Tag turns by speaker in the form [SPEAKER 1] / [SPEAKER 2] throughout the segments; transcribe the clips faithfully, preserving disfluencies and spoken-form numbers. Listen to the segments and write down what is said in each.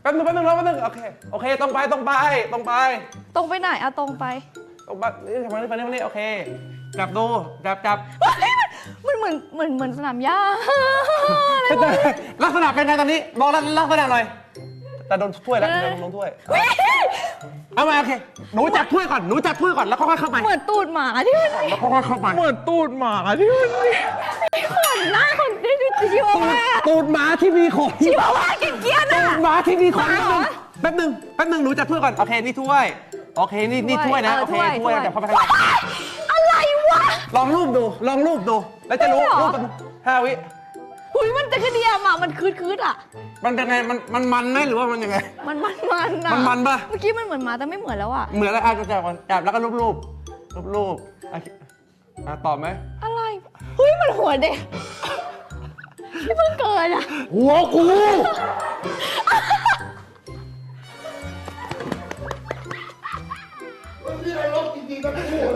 [SPEAKER 1] แป๊บนึงแป๊บนึงแป๊บนึงโอเคโอเคตรงไปตรงไปตรงไป
[SPEAKER 2] ตรงไปไหนอะตรงไป
[SPEAKER 1] ตรงไปนี่ทำไมนี่ไปนี่ไปนี่โอเคจับดูจับจับ
[SPEAKER 2] มันเหมือนเหมือนเหมือนสนามหญ้า
[SPEAKER 1] ลักษณะเป็นไงตอนนี้บอกลักษณะหน่อยแต่โดนถ้วยแล้วโดนลงถ้วยเอามาโอเคหนูจับถ้วยก่อนหนูจับถ้วยก่อนแล้วค่อยๆเข้าไป
[SPEAKER 2] เหมือนตูดหมาที่มัน
[SPEAKER 1] แล้วค่อยๆเข้าไป
[SPEAKER 3] เหมือนตูดหมาที่มัน
[SPEAKER 2] ขนหน้าคนที่ชิวาว่า
[SPEAKER 1] ตูดหมาที่มีขน
[SPEAKER 2] ชิวาว่าเกลียดๆ
[SPEAKER 1] ตู
[SPEAKER 2] อะ
[SPEAKER 1] ดหมาที่มีขน
[SPEAKER 2] หมาเหรอ
[SPEAKER 1] แป๊บนึงแป๊บนึงหนูจับถ้วยก่อนโอเคนี่ถ้วยโอเคนี่นี่ถ้วยนะ
[SPEAKER 2] เออ
[SPEAKER 1] โอเค
[SPEAKER 2] ถ้วย
[SPEAKER 1] ถ้วย
[SPEAKER 2] ถ้วย
[SPEAKER 1] จับเข้าไปข้างใน
[SPEAKER 2] อะไรวะ
[SPEAKER 1] ลองรูปดูลองรูปดูแล้วจะรู้
[SPEAKER 2] ไม่เหรอ
[SPEAKER 1] รูปมันห้าวิ
[SPEAKER 2] หุยมันจะกระเดียมอะมันคืดคืดๆอะ
[SPEAKER 1] มันเป็นไงมันมันมันไหมหรือว่ามันยังไง
[SPEAKER 2] มันมันมันอะ
[SPEAKER 1] มันมันปะ
[SPEAKER 2] เมื่อกี้มันเหมือนหมาแต่ไม่เหมือนแล้วอะ
[SPEAKER 1] เหมือนอะไรอ่ะจับก่อนจับแล้วก็รูปรูปรูปรูปโอเคอ่ะตอบไหม
[SPEAKER 2] อะไรเฮ้ยมันหัวเด็กที่เพิ่งเกิดอะ
[SPEAKER 1] หัวกู
[SPEAKER 3] พี่เราลบจริงๆก็ไม่พูด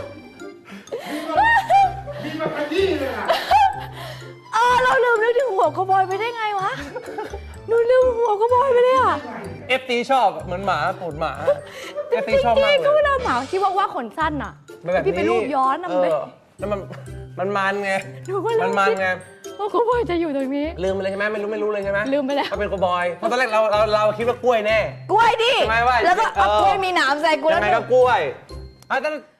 [SPEAKER 3] มีมาขยี้เลยอ่ะ
[SPEAKER 2] เออเราลืมนึกถึงหัวกระบอยไปได้ไงวะหนูลืมหัวกระบอยไปเลยอะ
[SPEAKER 1] เอฟตีชอบเหมือนหมาตูดหมาเอฟ
[SPEAKER 2] จ
[SPEAKER 1] ตี
[SPEAKER 2] ริง
[SPEAKER 1] ชอบ
[SPEAKER 2] ๆ
[SPEAKER 1] มากเล
[SPEAKER 2] ก็
[SPEAKER 1] ย
[SPEAKER 2] เวลาหมาที่ว่าว่าขนสั้นอะ
[SPEAKER 1] มันแบบ
[SPEAKER 2] พี่ไปรูปย้อนอะ
[SPEAKER 1] เอ
[SPEAKER 2] มัน
[SPEAKER 1] อ
[SPEAKER 2] เป็น
[SPEAKER 1] แล้วมันมันมันไง
[SPEAKER 2] หนูก็ลื
[SPEAKER 1] มัน
[SPEAKER 2] ม
[SPEAKER 1] มัน
[SPEAKER 2] คิด
[SPEAKER 1] ไง
[SPEAKER 2] ว่ากระบอยจะอยู่ตรงนี้
[SPEAKER 1] ลืมไปเลยใช่ไหมไม่รู้ไม่รู้เลยใช่ไหม
[SPEAKER 2] ลืมไปแล้ว
[SPEAKER 1] เขาเป็นกบอยเพราะตอนแรกเราเราเราคิดว่ากล้วยแน่
[SPEAKER 2] กล้วยดิ
[SPEAKER 1] ใช่ไหมว่า
[SPEAKER 2] แล้วก็เอา
[SPEAKER 1] เออ
[SPEAKER 2] กล้วยมีหนามใส่กูแล้
[SPEAKER 1] ยั
[SPEAKER 2] ว
[SPEAKER 1] งไงก็กล้วยอ่ะแต่